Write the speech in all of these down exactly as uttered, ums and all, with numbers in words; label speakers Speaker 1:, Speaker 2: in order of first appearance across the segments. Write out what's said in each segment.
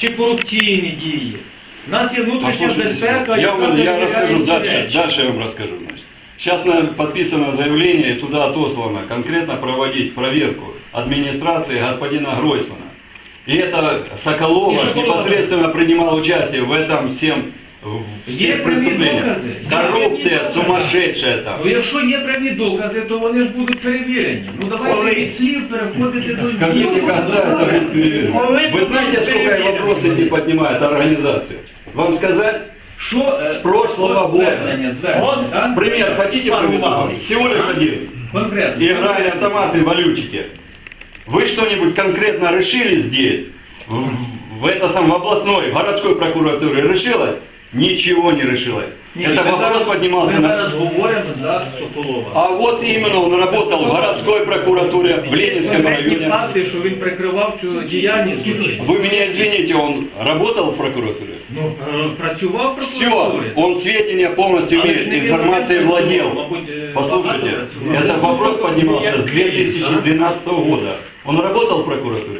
Speaker 1: чи корупційні дії. У нас є внутрішня безпека,
Speaker 2: я, вам, я расскажу дальше,
Speaker 1: речі.
Speaker 2: дальше я вам расскажу. Значит. Сейчас подписано заявление и туда отослано конкретно проводить проверку администрации господина Гройсмана. И это Соколова непосредственно принимал участие в этом всем всех преступлениях. Коррупция сумасшедшая там.
Speaker 1: Ну, якщо є прямі докази, то вони ж будуть перевірені. Ну давайте від слів переходити до
Speaker 2: Скажите,
Speaker 1: дій.
Speaker 2: когда это будет перевірено? Вы знаете, сколько вопросы эти поднимает организация? Вам сказать?
Speaker 1: Що е,
Speaker 2: З прошлого
Speaker 1: от
Speaker 2: года.
Speaker 1: звернення, звернення, так?
Speaker 2: Пример хотите приведу? Всего лишь один.
Speaker 1: Конкретно.
Speaker 2: Играли автоматы, валютчики. Вы что-нибудь конкретно решили здесь? В, в, это сам, в областной, в городской прокуратуре решилось? Ничего не решилось.
Speaker 1: Ні,
Speaker 2: это
Speaker 1: ми
Speaker 2: вопрос
Speaker 1: зараз,
Speaker 2: поднимался
Speaker 1: ми
Speaker 2: на...
Speaker 1: зараз говоримо за Соколова.
Speaker 2: А вот именно он работал в городской прокуратуре в Ленинском
Speaker 1: Конкретні
Speaker 2: районе.
Speaker 1: факти, що він прикривав цю діяльність злочинну.
Speaker 2: Вы меня извините, он работал в прокуратуре?
Speaker 1: Ну, е, працював в
Speaker 2: Все,
Speaker 1: прокуратурі.
Speaker 2: он сведения полностью
Speaker 1: Але ж
Speaker 2: имеет,
Speaker 1: не він
Speaker 2: информацией
Speaker 1: один
Speaker 2: владел.
Speaker 1: працював, мабуть, е,
Speaker 2: Послушайте,
Speaker 1: багато працював.
Speaker 2: этот вопрос поднимался с две тысячи двенадцатого года. Он работал в прокуратуре?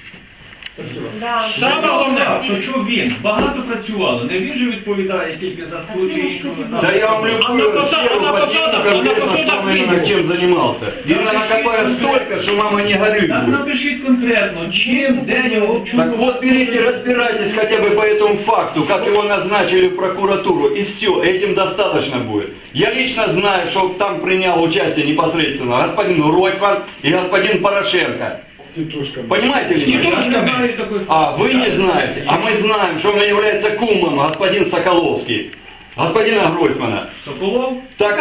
Speaker 1: Саме головне, то що він багато працювало, не він же відповідає тільки за ту чи іншу.
Speaker 2: Да я вам любую сферу подниму конкретно, что он именно чем занимался. И накопаю столько, что мама не горюй
Speaker 1: Так
Speaker 2: будет.
Speaker 1: напишіть конкретно, чим, де його, в чому.
Speaker 2: Так вот, берите, разбирайтесь хотя бы по этому факту, как его назначили в прокуратуру, и все, этим достаточно будет. Я лично знаю, что там принял участие непосредственно господин Гройсман и господин Порошенко. Понимаете ли?
Speaker 1: Я не знаю такої
Speaker 2: А вы не знаете, а мы знаем, что он является кумом, господин Соколовский, господина Гройсмана.
Speaker 1: Соколов?
Speaker 2: Так,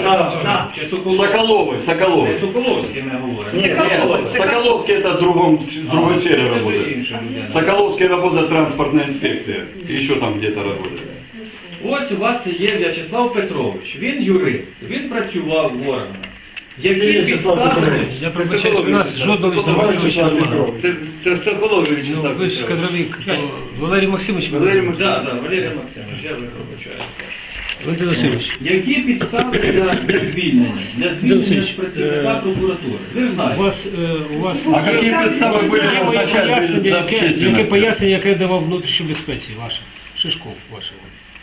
Speaker 1: Чи Соколов?
Speaker 2: Соколовый, Соколовый.
Speaker 1: Не Соколовський ми говоримо.
Speaker 2: Нет, нет, Соколовский это в другом, в другой сфере
Speaker 1: Це вже
Speaker 2: работает.
Speaker 1: інша людина.
Speaker 2: Соколовский работает транспортная инспекция, еще там где-то работает.
Speaker 1: Ось у вас є В'ячеслав Петрович, він юрист, він працював в органах. Які підстави?
Speaker 3: Я пробачаюсь, у нас жодного Вячеслава Петровича немає.
Speaker 4: Це, це Соколов
Speaker 3: Ну,
Speaker 4: Вячеслав
Speaker 3: ви ж
Speaker 4: Петрович.
Speaker 3: кадровик, то Валерій Максимович.
Speaker 4: Валерій
Speaker 1: Так,
Speaker 4: Максимович.
Speaker 1: так, Валерій Максимович, я вибачаюся.
Speaker 3: Валерій Васильович,
Speaker 1: Які підстави для, для звільнення? Для звільнення
Speaker 3: Васильович,
Speaker 1: з працівника
Speaker 3: е,
Speaker 1: прокуратури? Ви ж
Speaker 3: у
Speaker 1: знаєте.
Speaker 3: вас, е, у вас
Speaker 2: А какие представы были
Speaker 3: є моє
Speaker 2: назначать
Speaker 3: пояснення,
Speaker 2: для
Speaker 3: яке, яке
Speaker 2: общественности?
Speaker 3: пояснення, яке я давав внутрішній безпеці ваше, Шишков вашого.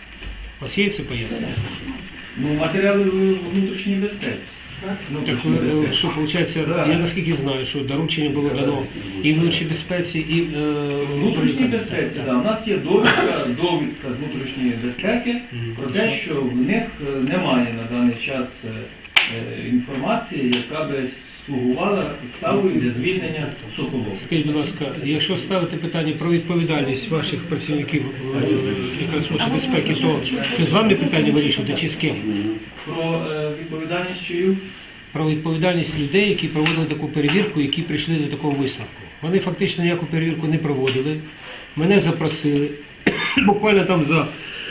Speaker 3: У вас є це пояснення?
Speaker 1: Ну, матеріали внутрішньої безпеки.
Speaker 3: Ну так, е, що виходить, я наскільки знаю, що доручення було дано і внутрішній безпеці, і е,
Speaker 1: Внутрішній безпеці, так. У нас є довідка, довідка з внутрішньої безпеки про те, що в них е, немає на даний час е, е, інформації, яка би слугувала підставою для звільнення Соколова.
Speaker 3: Скажіть, будь ласка, якщо ставити питання про відповідальність ваших працівників е, якраз Служби безпеки, то це з вами питання вирішувати чи з ким?
Speaker 1: Про е, відповідальність чию?
Speaker 3: Про відповідальність людей, які проводили таку перевірку, які прийшли до такого висновку. Вони фактично ніяку перевірку не проводили, мене запросили, буквально там за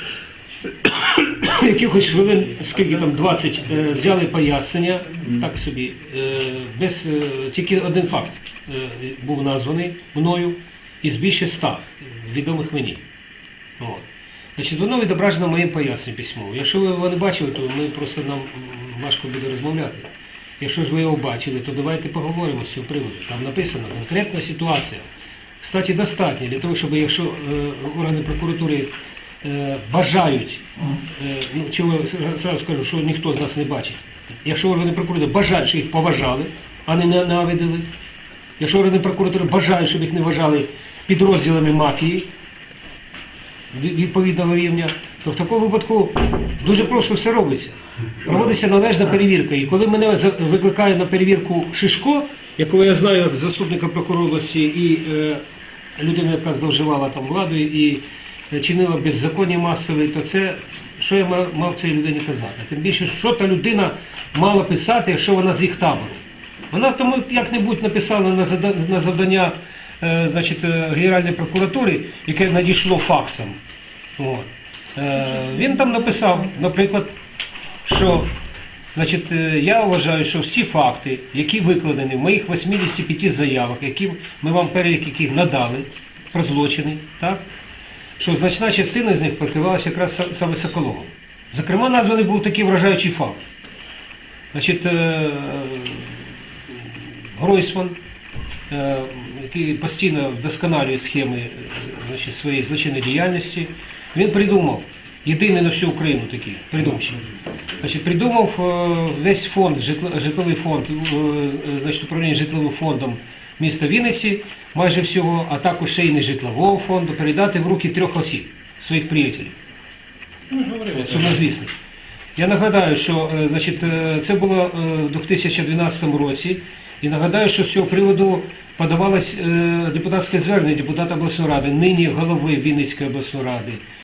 Speaker 3: якихось хвилин, скільки там, двадцять, е, взяли пояснення, так собі, е, без, е, тільки один факт е, був названий мною із більше ста відомих мені. От. Значить, воно відображено моїм поясненням письмово. Якщо ви його не бачили, то ми просто нам м, важко буде розмовляти. Якщо ж ви його бачили, то давайте поговоримо з цього приводу. Там написано конкретна ситуація. Кстати, достатньо для того, щоб якщо е, органи прокуратури е, бажають, е, ну, чого я зразу скажу, що ніхто з нас не бачить. Якщо органи прокуратури бажають, щоб їх поважали, а не ненавидили, якщо органи прокуратури бажають, щоб їх не вважали підрозділами мафії від- відповідного рівня, то в такому випадку дуже просто все робиться. Проводиться належна перевірка. І коли мене за- викликає на перевірку Шишко, якого я знаю як заступника прокурора області і е, людину, яка зловживала там владою і е, чинила беззаконня масове, то це, що я мав, мав цій людині казати? Тим більше, що та людина мала писати, якщо вона з їх табору. Вона тому як-небудь написала на зада- на завдання е, значить, е, Генеральної прокуратури, яке надійшло факсом. От. Е, Він там написав, наприклад, що значить, е, я вважаю, що всі факти, які викладені в моїх вісімдесяти п'яти заявах, які ми вам перелік яких надали про злочини, так, що значна частина з них покривалася якраз са- саме Соколовим. Зокрема, названий був такий вражаючий факт. Значить, е, Гройсман, е, який постійно вдосконалює схеми е, значить, своєї злочинної діяльності, він придумав, єдиний на всю Україну такий, придумчий. Значить, придумав е, весь фонд, житло- житловий фонд, е, значить, управління житловим фондом міста Вінниці, майже всього, а також ще й нежитлового фонду, передати в руки трьох осіб, своїх приятелів, сумнозвісних. Я нагадаю, що е, значить, е, це було е, в дві тисячі дванадцятому році, і нагадаю, що з цього приводу подавалось е, депутатське звернення депутата обласної ради, нині голови Вінницької обласної ради,